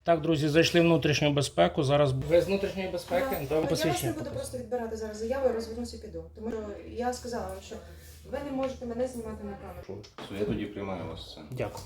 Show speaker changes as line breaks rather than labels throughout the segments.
Так, друзі, зайшли в внутрішню безпеку. Зараз ви з внутрішньої безпеки?
Я вас
Посвідчення.
не буду просто відбирати зараз заяву і розвернуся і піду. Тому що я сказала вам, що ви не можете мене знімати на камеру.
Я тоді приймаю вас це.
Дякую.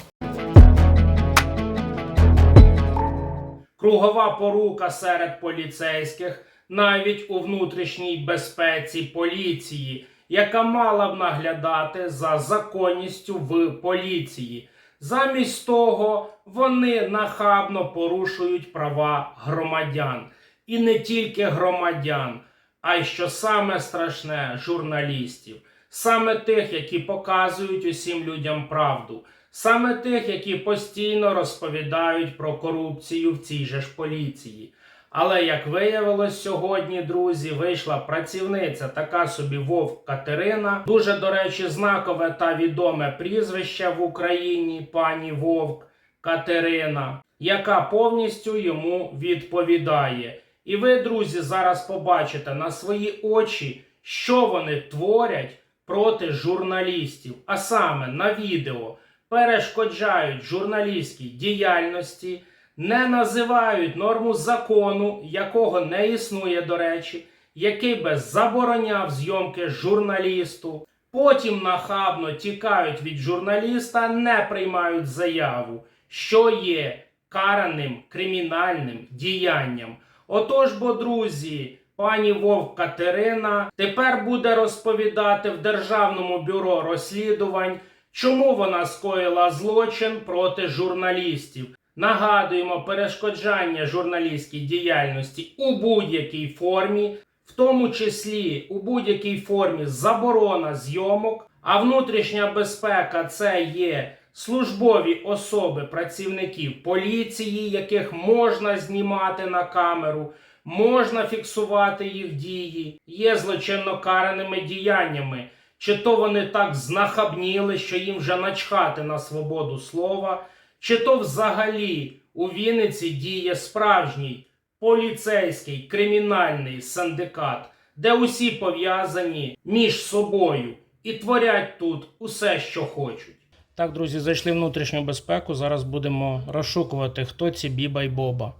Кругова порука серед поліцейських, навіть у внутрішній безпеці поліції, яка мала б наглядати за законністю в поліції. Замість того, вони нахабно порушують права громадян. І не тільки громадян, а й, що саме страшне, журналістів. Саме тих, які показують усім людям правду. Саме тих, які постійно розповідають про корупцію в цій же ж поліції. Але, як виявилось сьогодні, друзі, вийшла працівниця, така собі Вовк Катерина. Дуже, до речі, знакове та відоме прізвище в Україні, пані Вовк Катерина, яка повністю йому відповідає. І ви, друзі, зараз побачите на свої очі, що вони творять проти журналістів. А саме на відео перешкоджають журналістській діяльності, не називають норму закону, якого не існує, до речі, який би забороняв зйомки журналісту. Потім нахабно тікають від журналіста, не приймають заяву, що є караним кримінальним діянням. Отож, бо, друзі, пані Вовк Катерина тепер буде розповідати в Державному бюро розслідувань, чому вона скоїла злочин проти журналістів. Нагадуємо, перешкоджання журналістській діяльності у будь-якій формі, в тому числі у будь-якій формі заборона зйомок, а внутрішня безпека – це є службові особи працівників поліції, яких можна знімати на камеру, можна фіксувати їх дії, є злочинно караними діяннями. Чи то вони так знахабніли, що їм вже начхати на свободу слова, чи то взагалі у Вінниці діє справжній поліцейський кримінальний синдикат, де усі пов'язані між собою і творять тут усе, що хочуть. Так, друзі, зайшли в внутрішню безпеку. Зараз будемо розшукувати, хто ці Біба і Боба.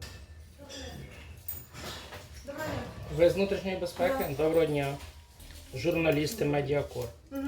Ви з внутрішньої безпеки? Доброго дня. Журналісти Медіакор.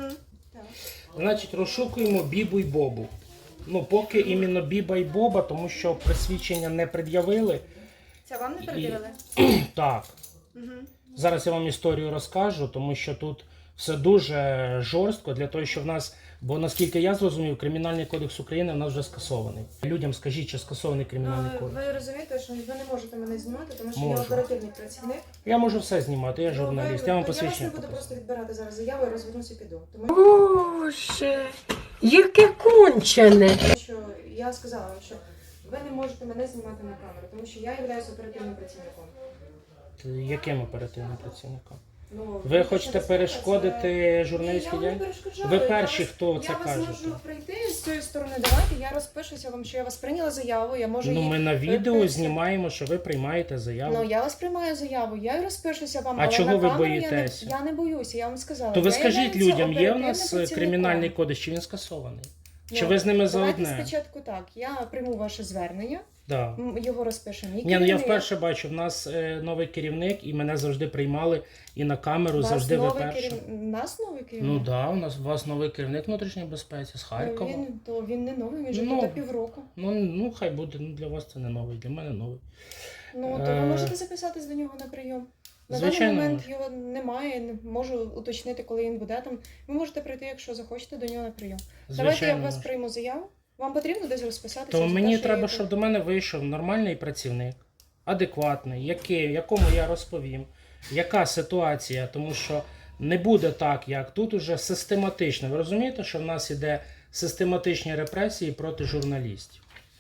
Значить, розшукуємо Бібу і Бобу. Ну, поки іменно Біба і Боба, тому що присвідчення не пред'явили.
Це вам не перевірили?
Так. Зараз я вам історію розкажу, тому що тут все дуже жорстко для того, що в нас, бо наскільки я зрозумів, Кримінальний кодекс України в нас вже скасований. Людям скажіть, чи скасований Кримінальний кодекс.
Ви розумієте, що ви не можете мене знімати, тому що
Можу.
я оперативний працівник.
Я можу все знімати, я журналіст, я вам
Я вас
посвідчення
не буду
покажу.
просто відбирати зараз заяву і розвернуся і піду. Тому
Боже, яке кончене.
що я сказала вам, що ви не можете мене знімати на камеру, тому що я являюсь оперативним працівником.
Яким оперативним працівником?
Ну,
Ви хочете перешкодити журналістській
Ні, я вам не
діяльності?
перешкоджаю.
Ви перші, хто це
Я
каже.
вас можу прийти з цієї сторони. Давайте я розпишуся вам, що я вас прийняла заяву. Я можу
Ну,
її
ми на відео
переписати.
знімаємо, що ви приймаєте заяву.
Ну, я вас приймаю заяву, я й розпишуся вам.
А
але
чого
на
ви
камеру
боїтеся?
Я не боюся, я вам сказала.
То ви
Я
скажіть
являюся
людям, є в
оперативним
нас
працівником.
Кримінальний кодекс, чи він скасований?
Ну,
Чи ви з ними
давайте
заодне?
спочатку так, я прийму ваше звернення,
Да.
його розпишемо.
Ні, ну я вперше бачу, в нас новий керівник, і мене завжди приймали і на камеру, завжди ви перші.
Нас новий керівник?
Ну так, да, у вас новий керівник внутрішньої безпеці з Харкова.
Він не новий, він вже
Ну,
тут півроку.
Ну, хай буде, ну, для вас це не новий, для мене новий.
Ну, то ви можете записатись до нього на прийом. На
Звичайно,
даний момент його немає, не можу уточнити, коли він буде там. Ви можете прийти, якщо захочете, до нього на прийом. Давайте я
Звичайно,
в вас
можу.
прийму заяву. Вам потрібно десь розписатися?
То
за те,
мені
що
треба,
я
щоб до мене вийшов нормальний працівник, адекватний, якому я розповім, яка ситуація, тому що не буде так, як тут уже систематично. Ви розумієте, що в нас іде систематичні репресії проти журналістів?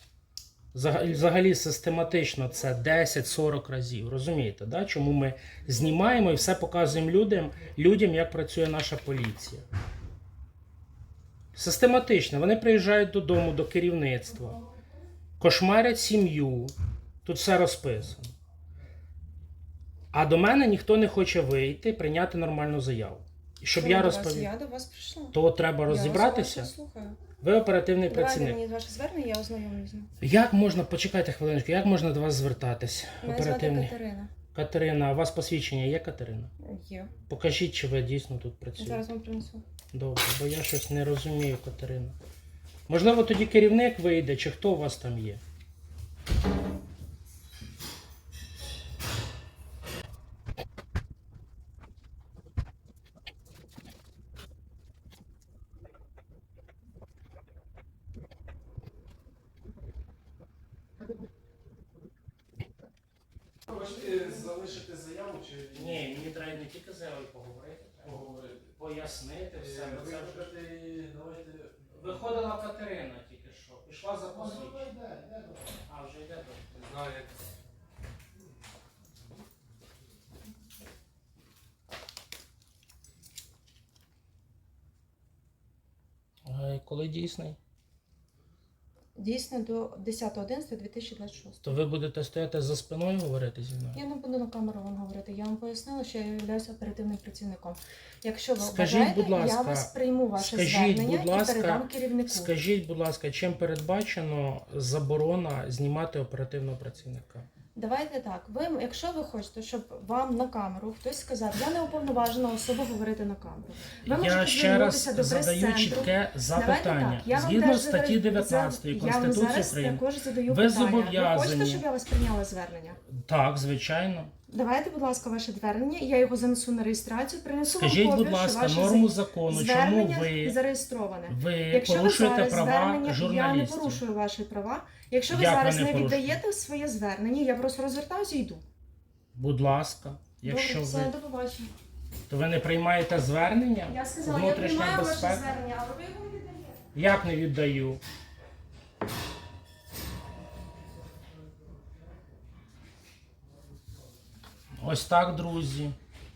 Взагалі систематично це 10-40 разів. Розумієте, да? Чому ми знімаємо і все показуємо людям, як працює наша поліція. Систематично. Вони приїжджають додому, до керівництва, кошмарять сім'ю. Тут все розписано. А до мене ніхто не хоче вийти, прийняти нормальну заяву. І щоб я розповів.
Я до вас прийшла.
То треба розібратися.
Я вас слухаю.
Ви оперативний
Давайте
працівник.
мені ваше звернення, я ознайомлюсь з ним.
Як можна, почекайте хвилиночку, як можна до вас звертатись?
Мене звати Катерина.
Катерина, а у вас посвідчення є, Катерина?
Є.
Покажіть, чи ви дійсно тут працюєте.
Зараз вам принесу.
Добре, бо я щось не розумію, Катерина. Можливо, тоді керівник вийде, чи хто у вас там є? Хочете залишити заяву чи ні? Мені треба не тільки заяву поговорити, треба пояснити все. Бо це вже... Виходила Катерина тільки що. Пішла за посвідчення. А, вже йде до. Знаю, як. Коли дійсний?
Дійсно до 10.11.2026.
То ви будете стояти за спиною говорити зі мною?
Я не буду на камеру вам говорити. Я вам пояснила, що я являюся оперативним працівником. Якщо ви
Скажіть,
бажаєте,
будь ласка,
я вас прийму ваше
скажіть,
звернення
будь ласка,
і передам керівнику.
Скажіть, будь ласка, чим передбачено заборона знімати оперативного працівника?
Давайте так. Ви, якщо ви хочете, щоб вам на камеру хтось сказав, я не уповноважена особа говорити на камеру. Ви
Я
можете
ще раз
звернутися до
задаю
прес-центру.
чітке
Давайте
запитання.
так, я вам
Згідно
теж
статті 19
я вам
Конституції
зараз
України,
також задаю
ви
питання. Ви
зобов'язані-
хочете, щоб я вас прийняла звернення?
так, звичайно.
Давайте, будь ласка, ваше звернення, я його занесу на реєстрацію, принесу вам
Скажіть,
копію,
будь ласка,
що ваше
норму закону, чому
звернення
ви
зареєстроване.
Ви
Якщо
порушуєте
ви зараз
права
звернення, я не
журналістів.
порушую ваші права. Якщо ви
Як ви
зараз
не
не
порушуєте?
віддаєте своє звернення, я просто розвертаюся і йду.
Будь ласка, якщо
Добре, все,
ви,
до побачення.
то ви не приймаєте звернення?
Я сказала, я
Внутрішня
приймаю ваше
безпека?
звернення, але ви його не віддаєте.
Як не віддаю? Ось так, друзі.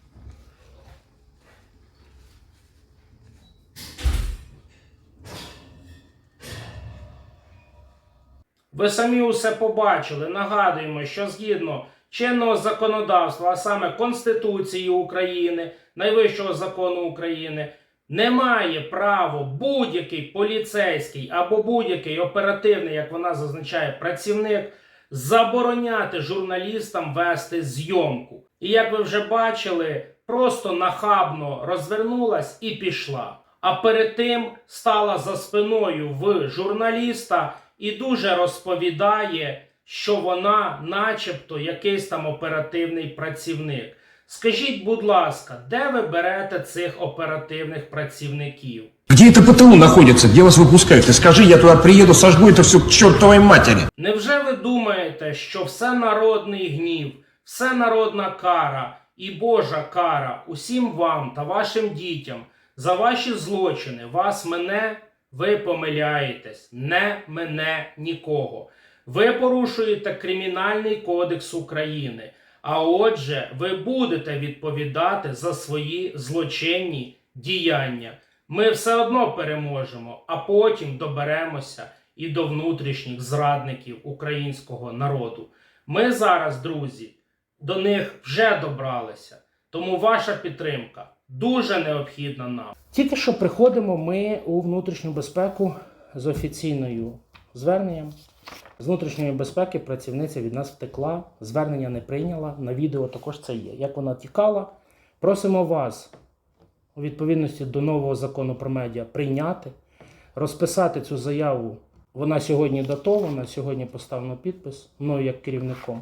Ви самі усе побачили. Нагадуємо, що згідно чинного законодавства, а саме Конституції України, найвищого закону України, не має права будь-який поліцейський або будь-який оперативний, як вона зазначає, працівник забороняти журналістам вести зйомку. І як ви вже бачили, просто нахабно розвернулась і пішла. А перед тим стала за спиною в журналіста і дуже розповідає, що вона начебто якийсь там оперативний працівник. Скажіть, будь ласка, де ви берете цих оперативних працівників?
Где это ПТУ находится? Где вас выпускают? Ты скажи, я туда приеду, сожгу это все к чертовой матери.
Невже ви думаєте, що все народний гнів, все народна кара і Божа кара усім вам та вашим дітям за ваші злочини, вас мене, ви помиляєтесь, не мене нікого. Ви порушуєте Кримінальний кодекс України, а отже, ви будете відповідати за свої злочинні діяння. Ми все одно переможемо, а потім доберемося і до внутрішніх зрадників українського народу. Ми зараз, друзі, до них вже добралися. Тому ваша підтримка дуже необхідна нам. Тільки що приходимо ми у внутрішню безпеку з офіційною зверненням. З внутрішньої безпеки працівниця від нас втекла, звернення не прийняла, на відео також це є. Як вона тікала, просимо вас у відповідності до нового закону про медіа прийняти, розписати цю заяву. Вона сьогодні датована, сьогодні поставлено підпис мною як керівником.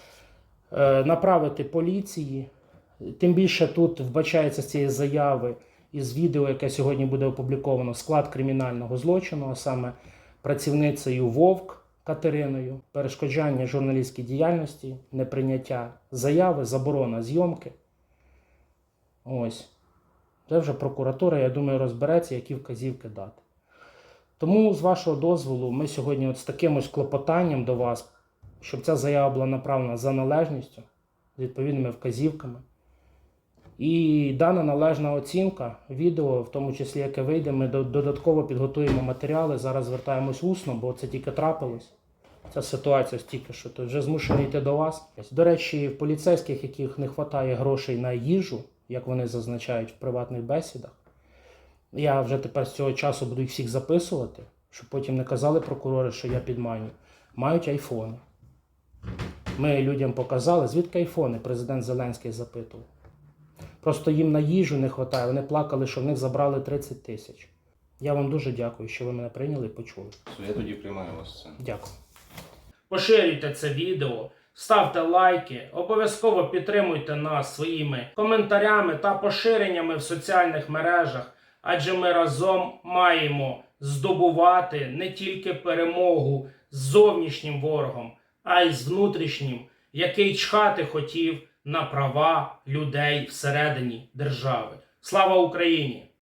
Направити поліції. Тим більше тут вбачається з цієї заяви із відео, яке сьогодні буде опубліковано, склад кримінального злочину, а саме працівницею Вовк Катериною, перешкоджання журналістській діяльності, неприйняття заяви, заборона зйомки. Ось. Це вже прокуратура, я думаю, розбереться, які вказівки дати. Тому, з вашого дозволу, ми сьогодні от з таким ось клопотанням до вас, щоб ця заява була направлена за належністю, з відповідними вказівками. І дана належна оцінка відео, в тому числі, яке вийде, ми додатково підготуємо матеріали. Зараз звертаємось усно, бо це тільки трапилось. Ця ситуація тільки що, то вже змушений йти до вас. До речі, в поліцейських, яких не вистачає грошей на їжу, як вони зазначають в приватних бесідах, Я вже тепер з цього часу буду їх всіх записувати, щоб потім не казали прокурори, що я підманю. Мають айфони. Ми людям показали, звідки айфони, президент Зеленський запитував. Просто їм на їжу не вистачає, вони плакали, що в них забрали 30 тисяч. Я вам дуже дякую, що ви мене прийняли і почули.
Я тоді приймаю вас це.
Дякую. Поширюйте це відео, ставте лайки, обов'язково підтримуйте нас своїми коментарями та поширеннями в соціальних мережах, адже ми разом маємо здобувати не тільки перемогу з зовнішнім ворогом, а й з внутрішнім, який чхати хотів на права людей всередині держави. Слава Україні!